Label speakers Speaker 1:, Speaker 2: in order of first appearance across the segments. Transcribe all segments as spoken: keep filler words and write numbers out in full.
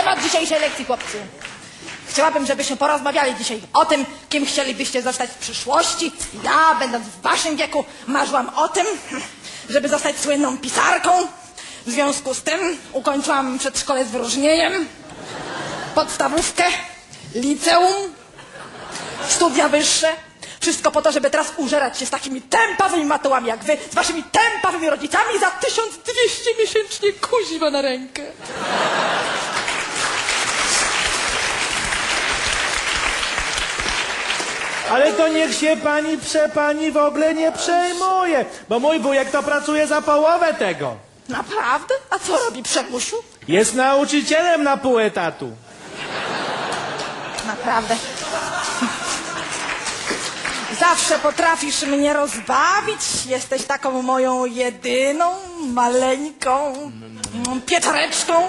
Speaker 1: Temat dzisiejszej lekcji, chłopcy. Chciałabym, żebyśmy porozmawiali dzisiaj o tym, kim chcielibyście zostać w przyszłości. Ja, będąc w waszym wieku, marzyłam o tym, żeby zostać słynną pisarką. W związku z tym ukończyłam przedszkole z wyróżnieniem, podstawówkę, liceum, studia wyższe. Wszystko po to, żeby teraz użerać się z takimi tępawymi matołami jak wy, z waszymi tępawymi rodzicami za tysiąc dwieście miesięcznie, kuźwa na rękę.
Speaker 2: Ale to niech się pani przepani w ogóle nie przejmuje, bo mój wujek to pracuje za połowę tego.
Speaker 1: Naprawdę? A co robi Przemusiu?
Speaker 2: Jest nauczycielem na pół etatu.
Speaker 1: Naprawdę. Zawsze potrafisz mnie rozbawić. Jesteś taką moją jedyną, maleńką pieczareczką,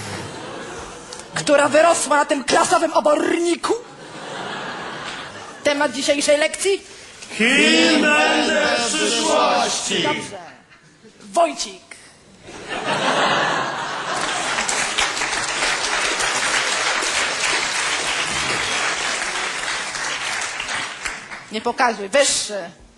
Speaker 1: która wyrosła na tym klasowym oborniku. Temat dzisiejszej lekcji?
Speaker 2: Kim będę w przyszłości?
Speaker 1: Dobrze. Wojcik. Nie pokazuj, wyższy.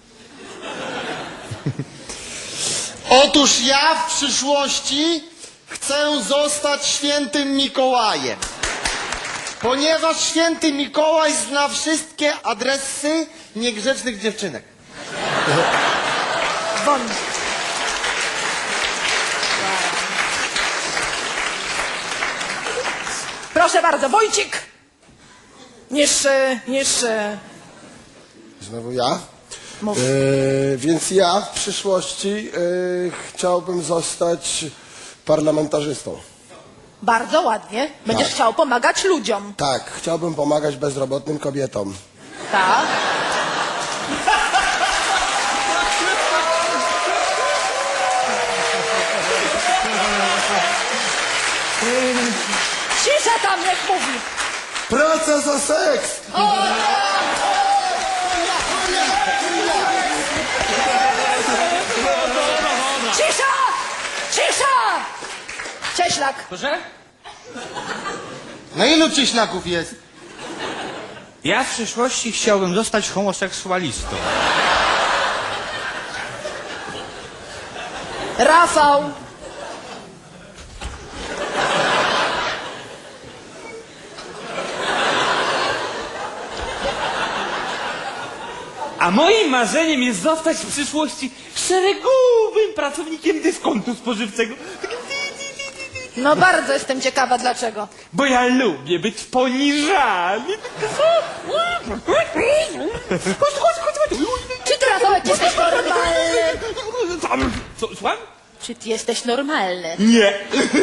Speaker 3: Otóż ja w przyszłości chcę zostać świętym Mikołajem. Ponieważ święty Mikołaj zna wszystkie adresy niegrzecznych dziewczynek.
Speaker 1: Won. Proszę bardzo, Wojcik. Niższy, niższy.
Speaker 4: Znowu ja?
Speaker 1: Mów.
Speaker 4: E, więc ja w przyszłości e, chciałbym zostać parlamentarzystą.
Speaker 1: Bardzo ładnie. Będziesz
Speaker 4: Tak.
Speaker 1: chciał pomagać ludziom.
Speaker 4: Tak, chciałbym pomagać bezrobotnym kobietom.
Speaker 1: Tak. Cisza tam, niech mówi.
Speaker 4: Praca za seks!
Speaker 1: Cisza! Cisza! Cieślak.
Speaker 2: Proszę?
Speaker 3: No ilu cieślaków jest?
Speaker 5: Ja w przyszłości chciałbym zostać homoseksualistą.
Speaker 1: Rafał.
Speaker 5: A moim marzeniem jest zostać w przyszłości szeregowym pracownikiem dyskontu spożywczego.
Speaker 1: No bardzo jestem ciekawa, dlaczego.
Speaker 5: Bo ja lubię być poniżany. Chodź, chodź, chodź, chodź.
Speaker 1: Czy ty, Rafałek, jesteś normalny?
Speaker 5: Co, słucham?
Speaker 1: Czy ty jesteś normalny?
Speaker 5: Nie.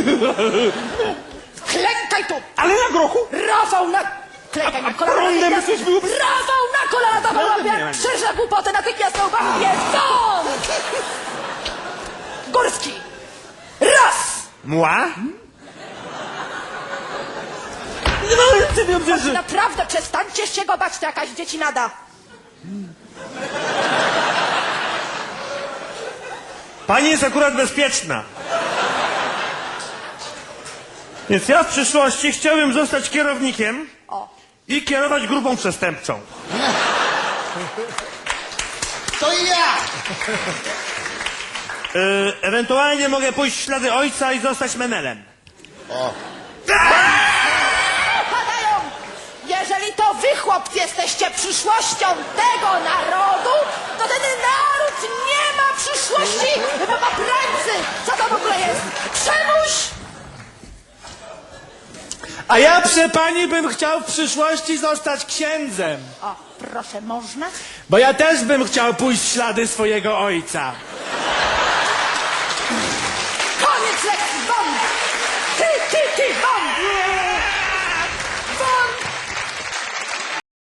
Speaker 1: Klękaj tu!
Speaker 5: Ale na grochu?
Speaker 1: Rafał na... Klękaj na kolana.
Speaker 5: prądem
Speaker 1: natychmiast.
Speaker 5: coś było?
Speaker 1: Rafał na kolana, dawaj łapie,
Speaker 5: nie ma
Speaker 1: jak
Speaker 5: nic.
Speaker 1: krzyża głupotę, natychmiast na uwagę, stąd! Górski! Raz!
Speaker 5: Mła? No, ty dobrze, że...
Speaker 1: Naprawdę, przestańcie się go bać, to jakaś dziecinada.
Speaker 2: Pani jest akurat bezpieczna. Więc ja w przyszłości chciałbym zostać kierownikiem
Speaker 1: O.
Speaker 2: i kierować grupą przestępczą.
Speaker 3: To i ja!
Speaker 2: Yy, ewentualnie mogę pójść w ślady ojca i zostać menelem.
Speaker 1: Padają! Jeżeli to wy, chłopcy, jesteście przyszłością tego narodu, to ten naród nie ma przyszłości, bo ma prańcy! Co to w ogóle jest? Przemuś!
Speaker 2: A ja, prze pani, bym chciał w przyszłości zostać księdzem.
Speaker 1: O, proszę, można?
Speaker 2: Bo ja też bym chciał pójść w ślady swojego ojca.
Speaker 1: Koniec lekcji, won! Ty, ty, ty, won! Won!